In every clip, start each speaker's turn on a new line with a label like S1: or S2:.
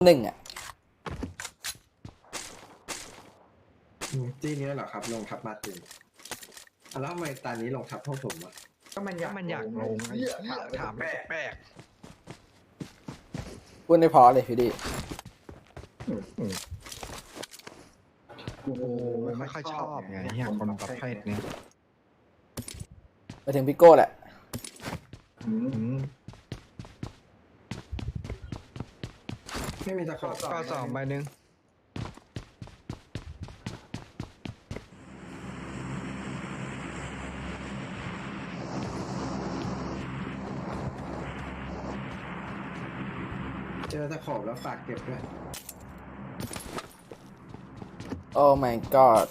S1: หนึ่งอ่ะ
S2: ที่นี้เหรอครับลงทับมาตินแล้วทำไมตอนนี้ลงทับพวกผมอ่ะ
S3: ก็มันอยากลงไอ้เหี้ยถามแปลก
S1: พูดได้พอเลยพี่ดิ
S3: กูไม่ค่อยชอบไงเหี้ยคนประเภทนี้
S1: ไปถึงพี่โก้แหละ
S2: ไม่มีตะขอบ
S3: ก็สองใบหนึ่ง
S2: เจอตะขอบแล้วฝากเก็บด้วย
S1: โอ้ my god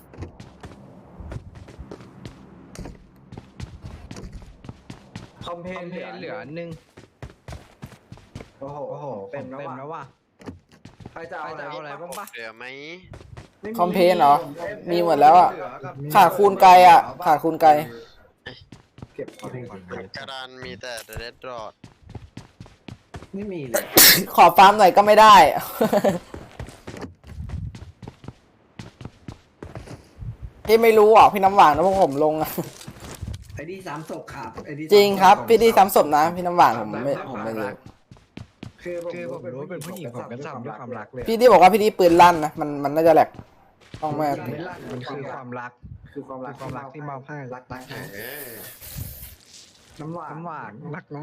S3: คอมเพนเหลือหนึ่งโอ้โหเต็มแล้วว่ะใครจะเอาอะไรบ้างปะ
S4: เหลือไหม
S1: คอมเพนเหรอ มีหมดแล้วอ่ะ ขาดคูณไกลอ่ะ ขาดคูณไกล
S2: เก็บเอาทิ้ง
S4: กระดานมีแต่เรดดอท
S2: ไม่มีเลย
S1: ขอฟาร์มหน่อยก็ไม่ได้ พี่ไม่รู้อ่ะพี่น้ำหวานนะพวกผมลงอ่ะ
S2: ไอ้ดีสามศพครับไอ้ดี
S1: จริงครับ พี่ดีซ้ำศพนะ พี่น้ำหวานผมไม่รู้
S3: คือผมรู้เป็นผู้หญิงผมก็ทำด้วยความรักเลย
S1: พี่ดีบอกว่าพี่ดีปืนลั่นนะมันน่าจะแหลกต้องแม่
S3: มันคือความรักที่มอบให้รัก
S4: เออ
S3: น้ำหวานรักนะ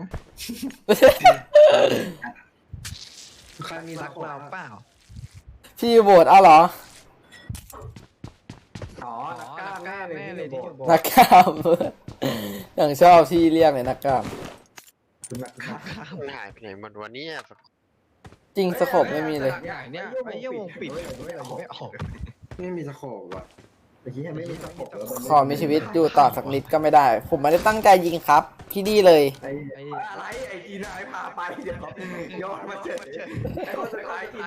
S2: ใครมี
S3: รั
S2: ตะ
S3: ก
S2: ขอบ
S3: เราเปล่า
S1: พี่โหวตเอาเหรอ
S3: อ๋อนักกล้ามแน่เลยที่อยู่บน
S1: นักกล้าม อย่างชอบที่เรียกเลยนักกล้าม
S3: นักกล้าม
S4: มันหายไปไหนหมดวันนี้
S1: จริงสโคปไม่มีเลย
S3: ใหญ่เนี่ยไอ้เหี้ยวงปิดไม่ออก
S2: ไม่มีตะขอบอ่ะไอ้ที่ไม่มีตะขอบ
S1: ขอมีชีวิตอยู่ต่อสักนิดก็ไม่ได้ ผมไม่ได้ตั้งใจยิงครับ พี่ดีเลย
S3: ไอ้อะไรไอ้อีนายพาไปเดี๋ยวย้อนมาเจอไอ้คนสุดท้ายอีนาย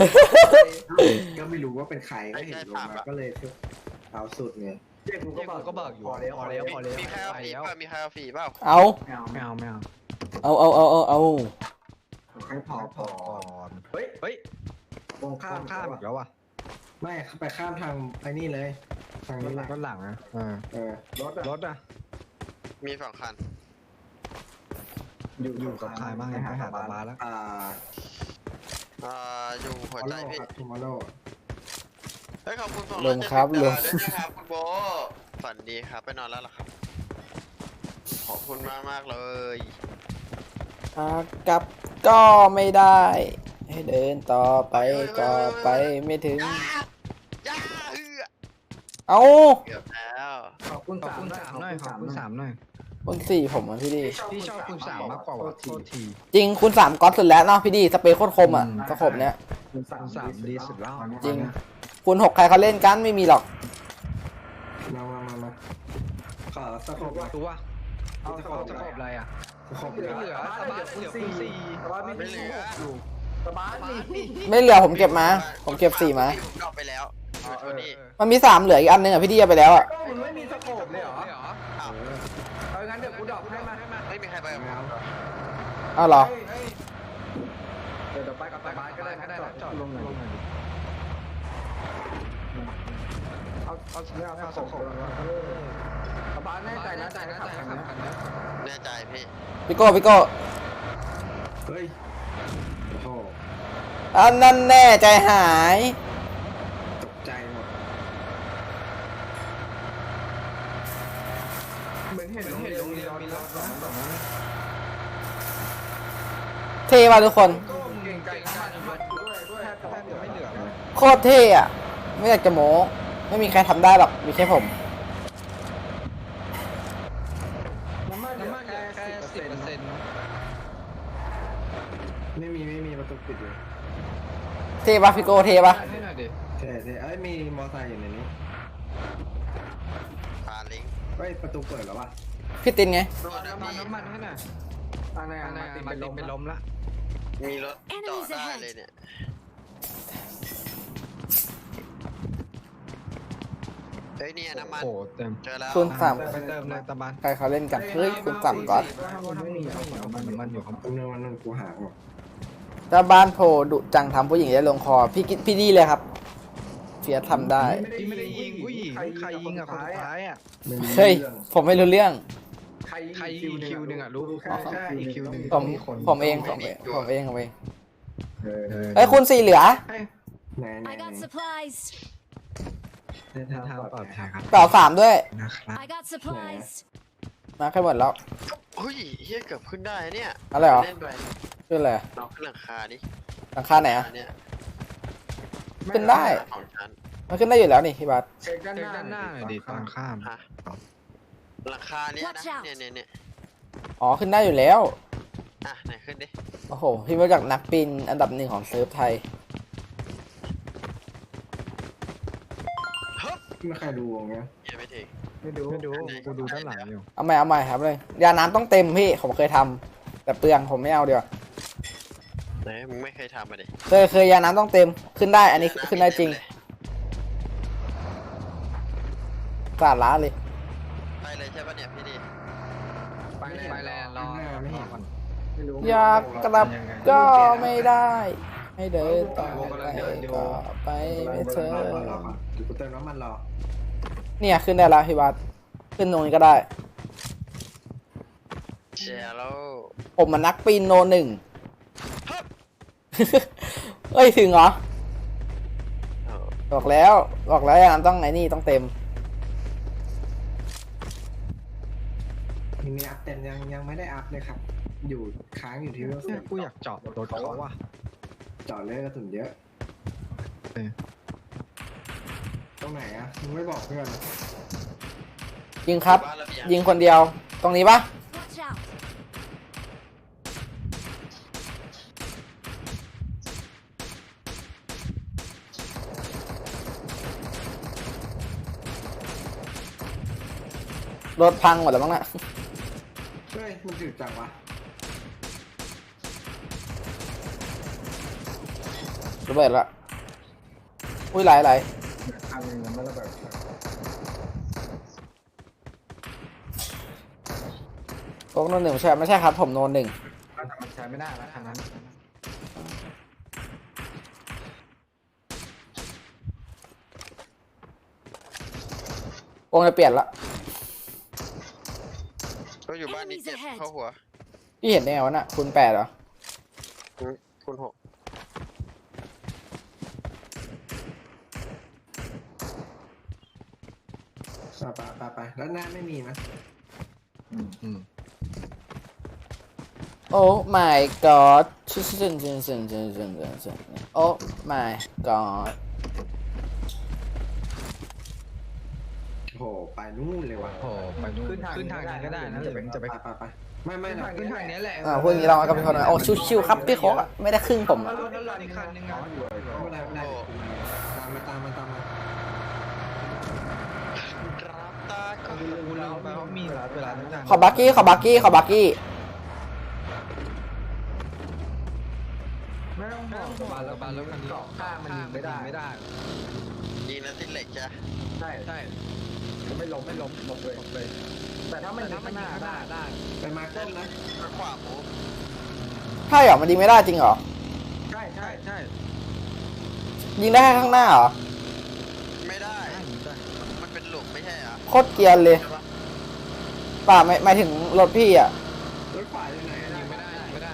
S2: ก็ไม่รู้ว่าเป็นใครก็เห็นลงมาก็เลยเอาสุดไง
S3: เจ๊กูก็บอกอยู่พอแล้ว
S4: มีใครเอาฝีเปล่ามีใครเอาฝีเปล่า
S1: เอา
S3: ไม่เอา
S1: เอา
S2: ให้พอ
S3: ก่อนเฮ้ย
S2: ตรงข้าม
S3: ข้ามอีกแล้วว่ะ
S2: ไม่ไปข้ามทางไอ้นี่เลยทางนี้แหละ
S3: รถหลังอ่ะรถอ่ะ
S4: มี2 คัน
S3: อยู่กับใครบ้างไปหาบาแล้ว
S4: อยู่หัวใจพี่
S2: ครับทูมอร์โล
S4: เฮ้ยขอบคุณ270
S1: ลงครับลง
S4: ด้วยนะครับคุณโบฝันดีครับไปนอนแล้วเหรอครับขอบคุณมากเลย
S1: กลับก็ไม่ได้ ให้เดินต่อไปก็ไปไม่ถึง
S4: ย่า
S1: เอา
S4: เกือบแล้ว
S3: ขอบคุณ3หน่อยขอบคุณ3หน่อย
S1: คุณสี่ผมอ่ะพี่ดี
S3: พี่ชอบคุณ3มากกว่าว่ะโทษที
S1: จริงคุณสามก๊อตสุดแล้วเนาะพี่ดีสเปรย์โคตรคมอ่ะสโคปเนี้ย
S3: คุณ3ดีสุดแล้ว
S1: จริง คุณหกใครเขาเล่นกันไม่มีหรอก
S2: มาขอตะขอบ
S3: ตัวเอาจะขอบอะไรอ่ะ
S2: ตะขอบ
S3: เหลือสบายเหลือคุณ4
S4: ไม่เหลือ
S3: สบายนี่
S1: ไม่เหลือผมเก็บมา ผมเก็บ4มา
S4: ผมดรอปไปแล้วโทนี่
S1: มันมี3เหลืออีกอันนึงอ่ะพี่ดีเอาไปแล้วอ่ะ
S3: ก็มึงไม่มีสโคปเลยเหรอ
S4: อ้าว
S3: เอางั้นเดี๋ยวกูดรอปให้มา
S4: ไม่มีใครไปกับผม
S1: เอาเหรอ
S3: เดี๋ยวไปกับสบายก็ได้จอดลงหน่อยเอาสโคปสบายแน่ใจนะขับคันนี้
S4: แน่ใจพี่
S1: พี่โก้
S2: เฮ้ยโอ้โห
S1: อันนั้นแน่ใจหาย
S2: ตกใจหมด
S3: เหมือนเห็นโรงเรียนมีรถ
S1: เท่ว่ะทุกคน
S3: ก็เก่งใจกันด้วยแทบจะไม่เหลือเลย
S1: โคตรเท่อะไม่อยากจะโม้ไม่มีใครทำได้หรอกมีแค่ผม
S3: น้ำมันแค่10%
S2: ไม่มีประตูปิดเลย
S1: เท่ปะพี่โก้เท่ปะ
S3: ให้หน่อยดิ
S2: ใช่เอ้ยมีมอไซค์อยู่ในนี้
S4: พาลิง
S2: เฮ้ยประตูเปิดแล้ววะ
S1: พี่ตินไง
S4: รถนะพี่
S3: น้ำมันให้หน่อยมาติเป็นลมละ
S4: มีรถจอดได้เลยเนี่ยเฮ้ยเนี่ยน้ำมัน
S3: โอ้เต็ม
S4: เจอแล้ว
S1: คุณสาม
S3: ไปเติมเลยตะบัน
S1: ใครเขาเล่นกันเฮ้ยคุณสามก๊อต
S3: ไม่มีน้ำมันอยู่ข้างบน
S2: วันนึงกูหาหมด
S1: ถ้าบ้านโพดุจังทำผู้หญิงได้ลงคอพี่ดีเลยครับเฟียสทำได้
S3: พี่ไม่ได้ยิงผู้หญิงใครยิงอ่ะคนสุดท้ายอ่ะ
S1: เฮ้ยผมไม่รู้เรื่อง
S3: ใครยิงอีกคิวหนึ่งอ่ะรู้แค่อีกคิวหนึ่ง
S1: ผมเองเอ้ยคุณสีเหลือ
S2: ไหน
S5: I got supplies.
S3: ในทางปลอดภัยครับ
S1: เปล่า3ด้วย
S3: นะครับ
S5: I got supplies.
S1: มาแค่หมดแล้ว
S4: เฮ้ยเฮียเกือบขึ้นได้เนี่ย
S1: อะไรเหรอ
S4: เล่นไป
S1: ขึ้นอะไร
S4: เราขึ้นหลังคาดิ
S1: หลังคาไหนอะ
S4: อันเนี่ย
S1: ขึ้นได้
S4: ของฉัน
S1: มันขึ้นได้อยู่แล้วนี่พี่บัส
S3: เช็คด้านหน้าหน่อยดิตอนข้าม
S4: ฮะหลังคาเนี้ยนะ
S5: Watch out
S4: เนี่ย
S1: อ๋อขึ้นได้อยู่แล้ว
S4: อ่ะไหนขึ้นดิ
S1: โอ้โหพี่มาจากนักปีนอันดับ1ของเซิร์ฟไทย
S2: ไม่ใครดูวงเนี้ย
S4: เฮียไม่ถึง
S3: ไม่ดูกูดูด้านหลังอยู่
S1: เอาใหม่ครับเลยยาน้ำต้องเต็มพี่ผมเคยทำแต่เปลืองผมไม่เอาเดี๋ยวา
S4: ไหนมึงไม่เคยทำมาดิ
S1: เคยยาน้ำต้องเต็มขึ้นได้อันนี้ขึ้นได้จริงกล้าล้าเลย
S4: ไปเลยใช่ปะเนี่ยพี่ดี
S3: ไปแล้วรอก่อน
S2: ไม่รู้
S1: อยากกลับก็ไม่ได้ ให้เดินต่อไปก็ไปไม่เธอ
S2: เดี๋ยวกูเติมน้ำมันรอ
S1: เนี่ยขึ้นได้แล้วพี่บัสขึ้นตรงนี้ก็ได้
S4: เชียร์แล้ว
S1: ผมมันนักปีนโน1 เอ้ยถึงเหรอ
S4: เออ
S1: บอกแล้วยาน้ำต้องไอ้นี่ต้องเต็ม
S2: มีอัพเต็มยังไม่ได้อัพเลยครับ อยู่ค้างอยู่ที่เวล
S3: เนี่ยกูอยากเจาะรถเขาว่ะ
S2: จอดเลยกระสุนเยอะ
S3: เออ
S2: ตรงไหนอ่ะมึงไม่บอกเพื่อน
S1: ยิงครับ
S4: บ้านระเบียง
S1: ยิงคนเดียวตรงนี้ปะ
S5: Watch out.
S1: รถพังหมดแล้วมั้งน่ะ
S2: เฮ้ยมันถึกจังวะ
S1: ระเบิดละอุ้ยไหล
S3: ทางยังไม่ระเบิด
S1: โอ๊กโน1ไม่ใช่ครับผมโน1
S3: มันใช้ไม่ได้แล้วทางนั้น
S1: วงจะเปลี่ยนละ
S4: ก็อยู่บ้านนี้เจ็บเข้าหัว
S1: พี่เห็นได้ไงวะน่ะคูณ8เหรอ
S4: คุณ6
S2: ไปแล้วหน้าไม่มีนะ
S1: โอ้ my god โอ้ my god
S2: โหไปนู่นเลยว่ะ
S3: โอ้ไปนู่นขึ้นทางนี้ก็ได้นะจะไป
S2: ไปไม่นะ
S3: ขึ้นทางนี้แหละ
S1: พูดอย่างนี้เรากับพี่คนโอ้ชิวๆครับพี่โคกอะไม่ได้ครึ่งผมอะ
S3: รถด้านหลังอีกคันนึง
S2: อ๋
S3: อ่ะ
S2: ออยู่ไม่เป็นไรตามมา
S4: กราบตาก็
S3: กูเราไปเขามีเวลาทุกอย่าง
S1: ขอบักกี้
S3: ไม่ต้องห่วงบานแล้วคันนี้เกาะข้างมันยิงไม่ได้
S4: ยิงนั้นติดเหล็กจ้ะ
S3: ใช่ไม่ล้มหมดเลย แต่ถ้ามันยิงข้างหน้าได้
S2: ไปมาต้นนะ
S4: ขวาหมู
S1: ใช่เหรอมันยิงไม่ได้จริงเหรอ
S3: ใช่
S1: ยิงได้แค่ข้างหน้าเหรอ
S4: ไม่ได้ มันเป็นหลุมไม่ใช่เหรอ
S1: โคตรเกรียนเลยป่าไม่หมายถึงรถพี่อะ
S2: รถขวาอยู่ไหน
S3: ยิงไม่ได้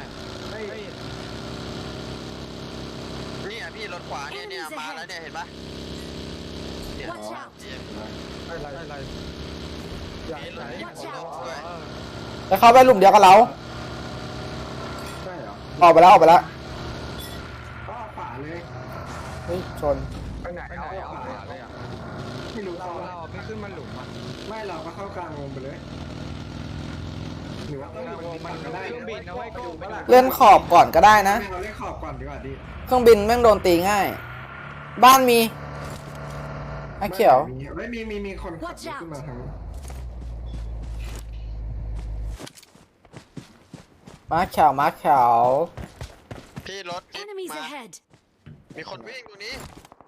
S4: นี่อ่ะพี่รถขวาเนี่ยมาแล้วเนี่ยเห็นปะเนี่ย
S5: Watch out.
S3: อะไรอย่า
S5: Watch out.
S1: แล้วเข้าไปหลุมเดียวกับเรา
S2: ใช่เหรอ
S1: ออกไปแล้ว
S2: ก็ขวาเลย
S1: เฮ้ยชน
S3: ไปไหนเอาขวาเลยอ่ะ
S2: ไม่รู้
S3: เราไม่ขึ้นมาหลุมอ่ะ
S2: ไม่เราก็เข้ากลางวงไปเลยหรือว่าต้องอยู่บนมันก็ได้
S3: เครื่องบินนะไว้กูเปล่า
S1: เลื่อนขอบก่อนก็ได้นะ
S2: เราเล่นขอบก่อนดีกว่าดิ
S1: เครื่องบินแม่งโดนตีง่าย บ้านมีไอ้เขียว
S2: ไม่มีคนขับขึ้นมาทาง
S1: ม้าเขียว
S4: พี่รถจิ๊บ
S5: Enemies
S4: มา
S5: ahead.
S4: มีคนวิ่งตรงนี้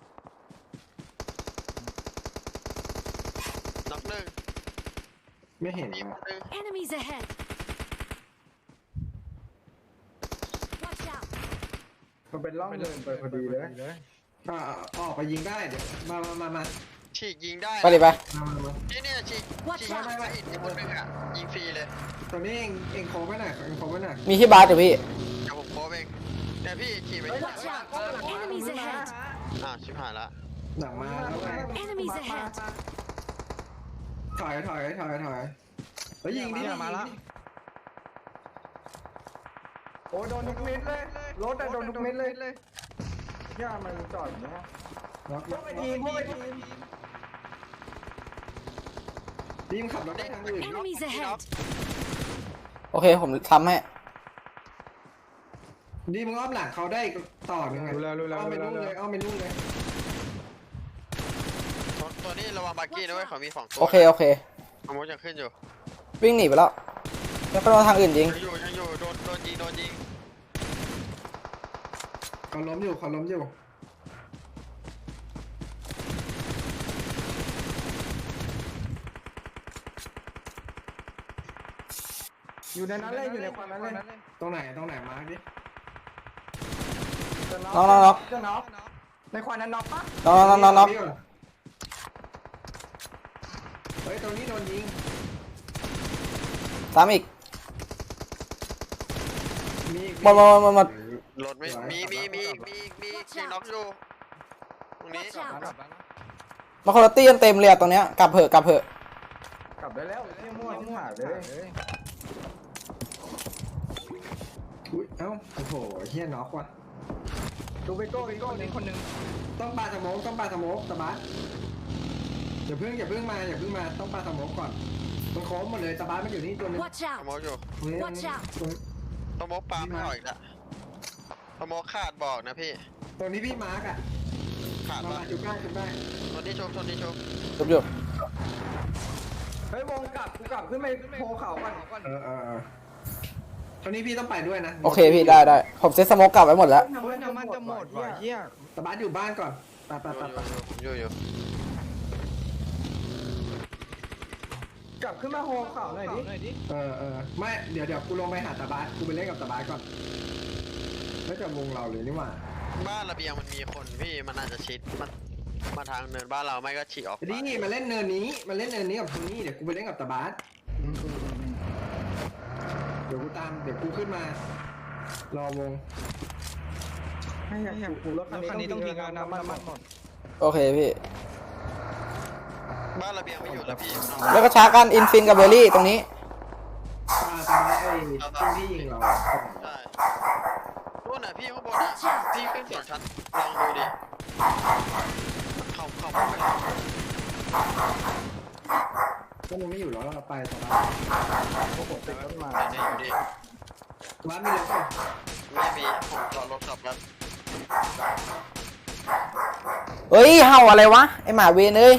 S4: น็อกหนึ่ง
S2: ไม่เห็น
S4: อีกคนหนึ่ง
S5: Enemies ahead. Watch out.
S3: มันเป็นร่องเดินไปพอดีเลย
S2: ก็ออกไปยิงได้เดี๋ยวมา
S4: ฉีกยิงได้
S1: ไปดิไป
S4: เนี่ยฉีก
S5: Watch
S4: ฉีก
S5: out
S4: ไม่อิดอีกคนนึงอ่ะยิงฟรีเลย
S2: ตอนนี้เองโค้งไว้หน่อยเองโค้งไว้หน่อย
S1: มีที่บาสอยู่พี่
S4: เดี๋ยวผมโค้ชเองเนี่ยพี่ขี่ไปที่
S5: Watch out! Enemies ahead!
S4: ชิบหายละ
S2: หนังมาแล้วไง
S5: Enemies ahead!
S2: ถอยเฮ้ยยิงดิ
S3: มาละโอ้โดนทุกเม็ดเลยรถโดนทุกเม็ดเลยย่ามันจอดอย่างเงี้ย
S2: ล็อก
S3: พวกไอ้ทีม
S2: ทีมขับรถไปทางอื่น
S5: Enemies ahead!
S1: โอเคผมทำให้
S2: ดีมึงอ้อมหลังเขาได้ต่อยังไง
S3: รู้แล้ว
S2: อ้อมไปนู่นเลยอ้อมไปนู่นเลย
S4: ตัวนี้ระวังบาร์กี้นะเว้ยเขามี2ตัว
S1: โอเค
S4: ขโมยยังขึ้นอยู่
S1: วิ่งหนีไปแล้วแล้วก็โดนทางอื่นยิง
S4: ยังอยู่โดนยิง
S2: เขาล้มอยู่
S3: อยู่ในนั้นเลยอยู่ในควันนั้นเลย
S2: ตรงไหนมาร์คดิ
S1: น็อก
S3: จะน็อกในควันนั้นน็อกปะ
S1: น็อก
S2: เฮ้ยตรงนี้โดนยิง
S1: ซ้ำอีก
S2: มี
S1: หมด
S4: รถไม่มียิงน็อกอยู่ตรงนี้
S5: Watch out!
S1: มาคนละตี้กันเต็มเลยอะตรงเนี้ยกลับเถอะ
S3: กลับได้แล้วเที่ยมั่วหายเลย
S2: อุ๊ยเอ้าโอ้โหเฮียน็อกว่ะ
S3: ดูไปโก้นี่คนนึง
S2: ต้องปาสโมกตะบัสอย่าเพิ่งมาต้องปาสโมกก่อนมันโค้งหมดเลยตะบัสมันอยู่นี่ตัวนึง
S5: Watch
S4: ขโม
S5: out!
S4: ยอยู่
S5: Watch out!
S4: ขโมยปลาไม่ออกอีกละขโมยขาดบอกนะพี่
S2: ตรงนี้พี่มาร์กอ่ะ
S4: ขาด
S2: มา
S4: ปะ
S2: จุดได้
S4: ตัวนี้ชม
S1: จบอยู่
S3: เฮ้ยวงกลับกูกลับขึ้นไปโพเขาก่อน
S2: ตอนนี้พี่ต้องไปด้วยนะ
S1: โอเคพี่ได้ผมเซ็ตสโมกกลับไว้หมดแล้ว
S3: น้ำมันจะหมดว่ะเฮีย
S2: ตะบัสอยู่บ้านก่อนไป
S4: อยู่
S3: กลับขึ้นมาโพเขาหน่อยดิ
S2: ไม่เดี๋ยวกูลงไปหาตะบัสกูไปเล่นกับตะบัสก่อนแล้วจะวงเราเลยนี่หว่า
S4: บ้านระเบียงมันมีคนพี่มันอาจจะชิดมันมาทางเนินบ้านเราไม่ก็ฉีกออก
S2: นี่มาเล่นเนินนี้กับทางนี้เดี๋ยวกูไปเล่นกับตะบัสเดี๋ยวกูขึ้นมารอวง
S3: ให้กูรถคันนี้ต้องทิ้งน้ำมันหมด
S1: โอเคพี่
S4: บ้านระเบียงไม่อยู่แล้วพี่
S1: แล้วก็ช้ากันอินฟินกับเบอร์รี่ตรงนี้
S2: ตะบัสไอ้ที่ยิงเรา
S4: ใช่นู่นน่ะพี่ข้างบนน่ะพี่ขึ้นสองชั้นลองดูดิเข้าไป
S2: ก็มึงไม่อยู่แล้วเราไปตะบัส
S3: พวกผมติดต้นไม้
S4: เนี่ยอยู่ดิ
S2: ตะบัสมีรถป่ะ
S4: ไม่มีผมจอดรถกลับแล้ว
S1: เฮ้ยเห่าอะไรวะไอหมาเวนเอ้ย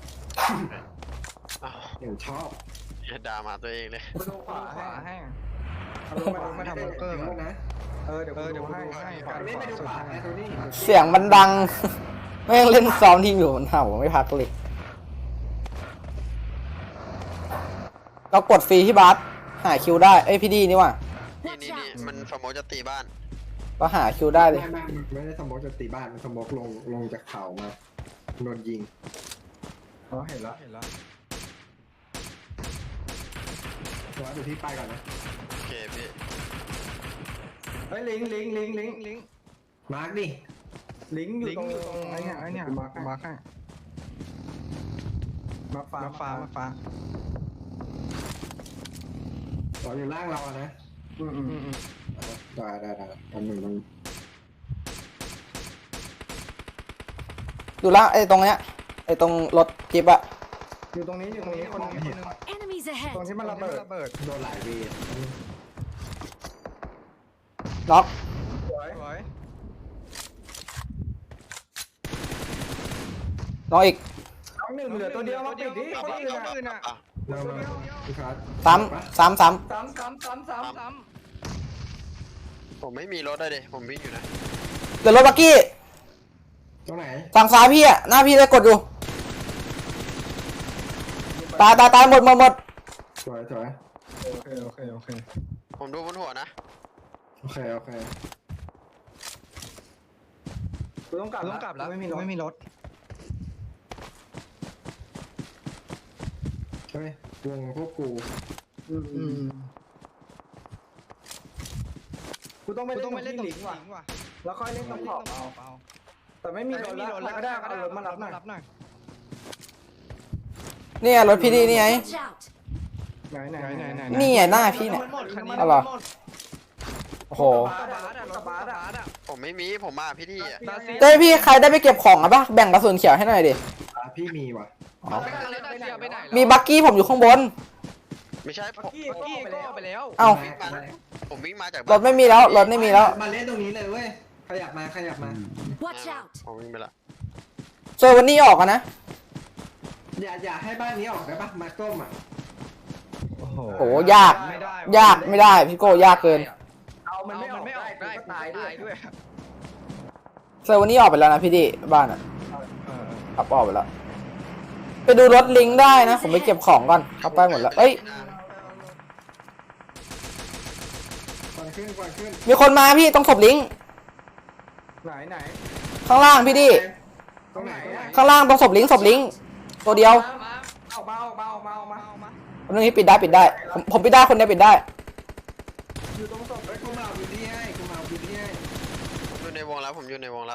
S4: อ้าว
S2: อย่างชอบ
S4: อย่าด่ามาตัวเองเลย
S3: ดูขวาให้มาทำบังเกอร์
S2: นะ
S3: เดี๋ยวกูให้
S2: ไม่ไปดูขวาไอ้ตัวนี้
S1: เสียงมันดัง แม่งเล่นซ้อมทีมอยู่มันเห่าไม่พักเลยเรากดฟรีที่บาสหาคิวได้เอ้ยพี่ดีนี่ว่ะ
S4: นี่มันสมมติจะตีบ้าน
S1: ก็หาคิวได้เลย
S2: ไม่ได้สมองจะตีบ้านมันสมองลงจากเขามาโดนยิง
S3: อ๋อเห็นแล้ว
S2: ตะบัสดูที่ไปก่อนนะ
S4: โอเคพี่
S3: เฮ้ยลิง
S2: มาร์กดิ
S3: ลิงอยู่ตรงไอ้เนี่ยมาให้มาฟ้า
S2: ต่ออยู่ล่างเราอะนะได้อันหนึ่งมัน
S1: ดูละไอตรงเนี้ยไอตรงรถจิ๊บอะ
S3: อยู่ตรงนี้คนนึง
S5: Enemies
S3: ตรง
S5: ahead!
S3: ที่มันระเบิด
S2: โดนหลายเวท
S1: น็อก
S3: สวย
S1: น็อกอีก
S3: น้องหนึ่งเหลือตัวเดียวมาปิดดิคนอื่นอ่ะ
S2: มาพี่คัส
S1: ซ้ำ
S3: ซ้ำ
S4: ผมไม่มีรถได้ดิผมวิ่งอยู่นะ
S1: เดี๋ยวรถบักกี้
S2: ตรงไหน
S1: ฝั่งซ้ายพี่อะหน้าพี่เลยกดอยู่ตายหมด
S2: สวย
S3: โอเค
S4: ผมดูบนหัวนะ
S2: โอเค
S3: กูต้องกลับแล้วไม่มีรถ
S2: เฮ้ยวงพวกกู
S3: กูต้องไปเล่นตรงลิงว่ะแล้วค่อยเล่นตรงขอบเอาแต่ไม่มีรถแล้วก็ได้เอารถมารับหน่อย
S1: เนี่ยรถพี่ดีนี่ไง
S5: Watch out!
S3: ไหน
S1: นี่ไงหน้าพี่เนี่ยเอาเหรอโอ้โห
S3: กระบะอ่ะ
S4: ผมไม่มีผมมาพี่ที่อ่ะ
S1: เต้ยพี่ใครได้ไปเก็บของอ่ะปะแบ่งกระสุนเขียวให้หน่อยดิ
S2: พี่มีว่ะ
S1: มีบักกี้ผมอยู่ข้างบน
S4: ไม่ใช่ผม
S3: กี้ก็ไปแล้ว
S1: เอ้า
S4: ผมวิ่งมาจาก
S1: รถไม่มีแล้วรถไม่มีแล้ว
S2: มาเล่นตรงนี้เลยเว้ยขยับมา
S5: Watch out!
S4: ผมวิ่งไปละ
S1: เจอวันนี้ออกอะนะ
S2: อย่าให้บ้านนี้ออกได้ปะมาต้มอ่ะ
S1: โอ้ยากไม่ได้พี่โก้ยากเกิน
S3: เอามันไม่ออกได้ก็ตายด้วย
S1: เจอวันนี้ออกไปแล้วนะพี่ดิบ้านอะขับออกไปแล้วไปดูรถลิงก์ได้นะผมไปเก็บของก่อนเข้าไปหมดแล้วเอ้ย
S2: ก่อนขึ้น
S1: มีคนมาพี่ต้องศพลิงก์
S3: ไหน
S1: ข้างล่างพี่ดิ
S2: ตรงไหนอ่ะ
S1: ข้างล่างต้องศพลิงก์ตัวเดียว
S3: ออกมา
S1: อันนี้ปิดได้ผมปิดได้คนเดียวปิดได้
S3: อยู่ตรงศพ
S2: เฮ้ยกูมาเอาพื้นที่ให้
S4: ผมอยู่ในวงแล้วผมอยู่ในวงแล้ว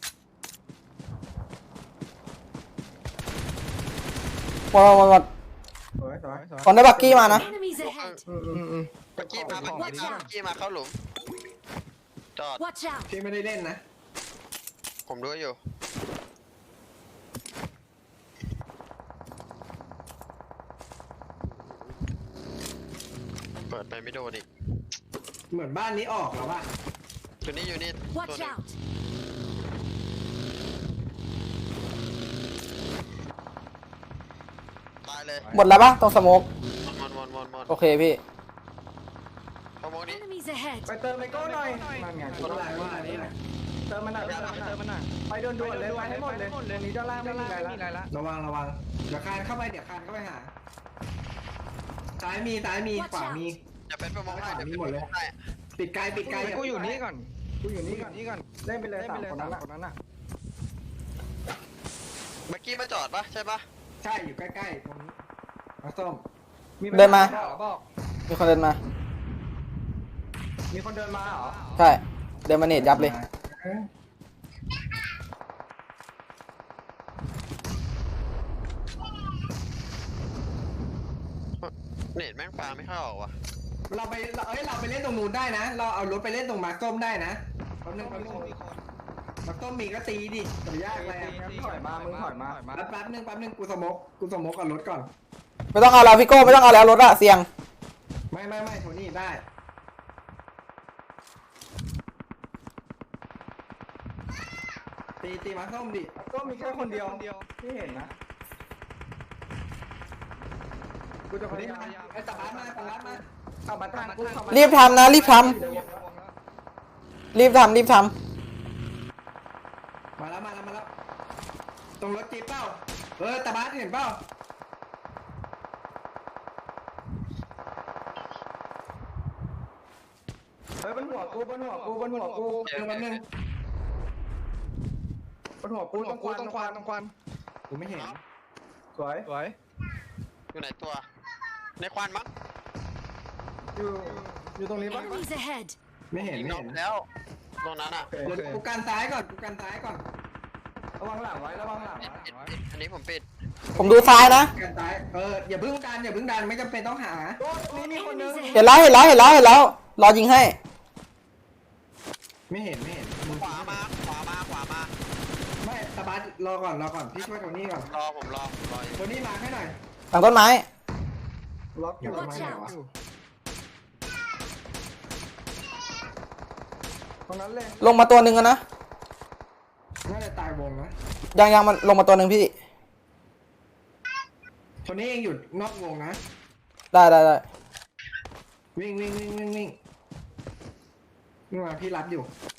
S1: หมด
S3: สวย
S1: คนได้บักกี้มานะ
S5: Enemies ahead!
S4: เมื่อกี้มาเข้าหลุมจอด
S5: Watch out!
S2: พี่ไม่ได้เล่นนะ
S4: ผมดูอยู่เปิดไปไม่โดนอีก
S2: เหมือนบ้านนี้ออกแล้วป่ะ
S4: อยู่นี่ตัว
S5: Watch
S4: นึง
S5: out!
S4: ตายเลย
S1: หมดแล้วปะตรงสโมก
S4: หมด
S1: โอเคพี่
S4: พอมองนี้
S5: Enemies ahead!
S3: ไปเติมไมโก้หน่อยนั่นไงเติมมันหน่อยไปด่วนๆเลยไปให้หมดเลยนี้ด้านล่างไม่มีอะไรละ
S2: ระวังเดี๋ยวคานเข้าไปหาซ้ายมีขวามี
S4: อย่าเป็นไปมองได้เดี๋ยว
S2: มี
S4: เป็น
S2: หมด
S4: ไป
S2: เลย
S4: มองได้
S2: ปิดไกล
S3: กูอยู่นี่ก่อนเล่นไปเลย3คนนั้นอ่ะ
S4: เมื่อกี้มาจอดปะใช่ปะ
S2: ใช่อยู่ใกล้ๆตรงนี้มาส้ม
S1: เดินมา
S3: บอก
S1: มีคนเดินมา
S3: มีคนเดินมาเหรอ
S1: ใช่เดินมาเนตยับเลย
S4: เน็ตแม่งปลาไม่เข้าออกว่ะ
S2: เราไปเล่นตรงนู้นได้นะ เราเอารถไปเล่นตรงมาส้มได้นะแป๊บนึงมาส้มมีก็ตีดิแต่ยากเลย
S3: มึงถอยมา
S2: แป๊บนึงกูสมกกับรถก่อน
S1: ไม่ต้องเอาแล้วพี่โก้ไม่ต้องเอาแล้วรถอะเสี่ยง
S2: ไม่โทนี่ได้ตีมาส้มดิ
S3: ก็มีแค่คนเดียวที่เห็นนะกูจะพยายาม
S2: ไอ้ตะบัดมา
S3: ขับมาทางกู
S1: รีบทำนะรีบทำ
S2: มาแล้วตรงรถจี๊ปเปล่าตะบัดเห็นเปล่า
S3: เฮ้ยบนหัวกู
S2: แป๊บนึง
S3: บนหัวกูตรงควัน
S2: กูไม่เห็น
S3: สวย
S4: อยู่ไหนตัว ในควันมั้ง
S3: อยู่ตรงนี้ปะ
S5: Enemies ahead!
S2: ไม่เห็น
S4: ยิงนอกแล้วตรงนั้นอ่ะ
S2: เดี๋ยวกูกันซ้ายก่อน
S3: ระวังหลังไว้
S4: ปิดอันนี้ผมปิด
S1: ผมดูซ้ายนะ
S2: กันซ้ายอย่าเพิ่งดันไม่จำเป็นต้องหา
S3: นี่มีคนนึง
S5: Enemies
S1: เห็น
S5: ahead!
S1: แล้วรอยิงให้
S2: ไม่เห็น
S4: ขวามา
S2: ไม่ตะบัดรอก่อนพี่ช่วยโทนี่ก่อน
S4: ผมรออยู่
S2: โทนี่มาให้หน่อย
S1: หลังต้นไม้
S3: ล็อกอยู่
S5: Watch out!
S3: ตรงนั้นเลย
S1: ลงมาตัวหนึ่งอะนะ
S2: น่าจะตายวงนะ
S1: ยังมันลงมาตัวหนึ่งพี่
S2: โทนี่เองอยู่นอกวงนะ
S1: ได้
S2: วิ่งมาพี่รับอยู่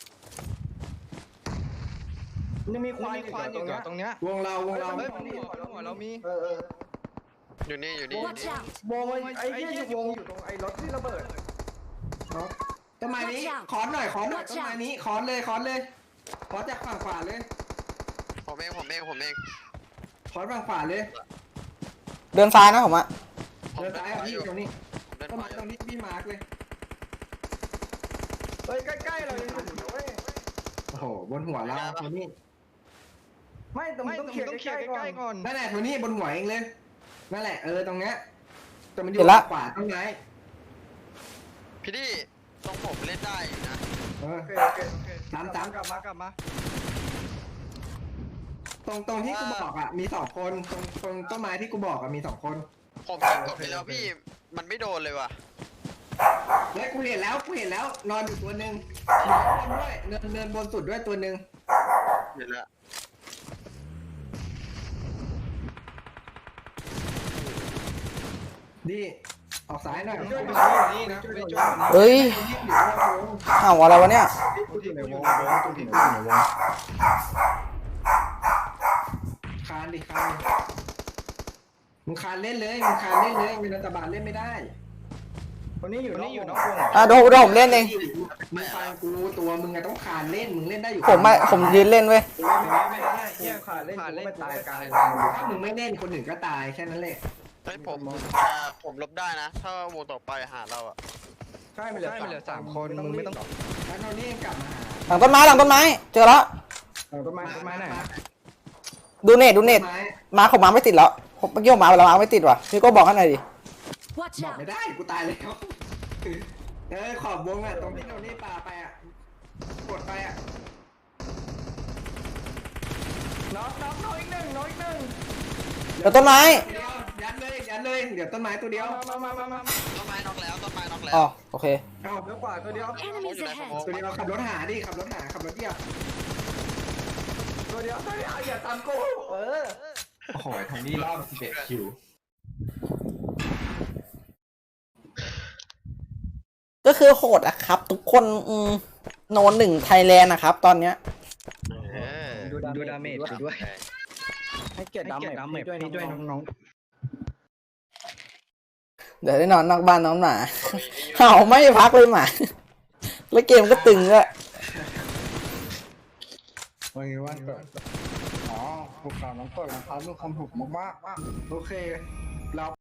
S3: ยังมีควันอยู่ตรงเนี้ยว
S2: งเรา
S3: หัวเรามี
S4: อยู่นี่
S5: Watch out!
S3: วงไอ้ที่อยู่วงอยู่ตรงไอ้รถที่ระเบิด
S2: ต้นไม้นี้ขอนหน่อยต้นไม้นี้ขอนเลยพอจากฝั่งขวาเลย
S4: ผมเอง
S2: พอฝั่งขวาเลย
S1: เดินซ้ายนะผมอะ
S2: เดินซ้ายอ่ะพี่ตรงนี้
S4: ผมเดิน
S2: ต้น
S4: ขวา
S2: ไม้ตรงนี้พี่มาร์กเลย
S3: เฮ้ยใกล้ๆเรายังอยู่นะเว้ย
S2: โอ้โหบนหัวเราโทนี่
S3: ไม่ต้องเคลียร์ใกล้ๆก่อน
S2: นั่นแหละโทนี่บนหัวเองเลยนั่นแหละตรงเนี้ยแต่มันอยู่ขวาต้นไม้
S4: พี่ดิตรงผมเล่นได้อยู่นะ
S2: เออ
S3: โอเค
S2: ตาม
S3: กลับมา
S2: ตรงที่กูบอกอ่ะมี2คนตรงต้นไม้ที่กูบอกอ่ะมี2คน
S4: ผมยิงกดไปแล้วพี่มันไม่โดนเลยว่ะ
S2: เฮ้ยกูเห็นแล้วนอนอยู่ตัวหนึ่งบนด้วยเนินบนสุดด้วยตัวหนึ่ง
S4: เห็นแล้ว
S2: ดีออกซ้ายหน่อย
S3: ช่วยอยู่นี่นะช่วยอยู่นี่
S1: เฮ้ยอ้าวอะไรวะเนี่ย
S3: กูอยู่ในวง
S2: คานดิมึงคานเล่นเลยมีรัฐบาลเล่นไม่ได้
S3: คนนี้อยู่นอกวง
S1: อ่ะเดี๋ยวผมเล่นเอง
S2: มึงฟังกูตัวมึงอะต้องคานเล่นมึงเล่นได้อยู่
S1: ผมยืนเล่นเว้ย
S3: ไม่ได้เฮียขาเล่นไม่ตายกลาง
S2: ถ้ามึงไม่เล่นคนอื่นก็ตายแค่นั้นแหละ
S4: เฮ้ยผมลบได้นะ ถ้าวงต่อไปหาเราอ่ะ
S3: ใช่มันเหลือ3 คนมึงไม่ต้อง
S2: แล้วโทนี่กลับมาหา
S1: หลังต้นไม้เจอแล้ว
S3: ต้นไม้ไหน
S1: ดูเน็ตมาผมมาไม่ติดแล้วผมเมื่อกี้ผมมาแล้วมาไม่ติดว่ะพี่ก็บอกให้หน่อยดิ
S5: Watch
S2: บอก
S5: out!
S2: ไม่ได้กูตายแล้วขอบวงอะตรงที่โทนี่ปาไปอะกดไปอะ
S3: น้องอีกหนึ่ง
S1: เดี๋ยวต้นไม้
S2: ยัดเลยเดี๋ยวต้นไม้ตัวเดียว
S3: มา
S4: ต้นไม้น็อกแล้ว
S1: อ๋อโอเค
S2: เอา
S3: เดี๋ยวกว่าตัวเดียว
S5: Enemies ahead!
S2: ตัวเดียวขับรถหาดิขับรถเดียว
S3: อย่าตามกู
S2: โอ้โหทางนี้รอบ11คิว
S1: ก็คือโหดอะครับ ทุกคนโนน1 ไทยแลนด์นะครับตอนเนี้ย
S3: ดูดาเมจด้วย ให้เกียรติดาเมจด้วยน้อง
S1: เดี๋ยวได้นอนนอกบ้านน้องหมาเห่าไม่พักเลยหมาแล้วเกมก็ตึงอะ
S3: วันเกิดอ๋อพวกเราน้องเกิดนะครับลูกคำถูกมาก
S2: โอเคเรา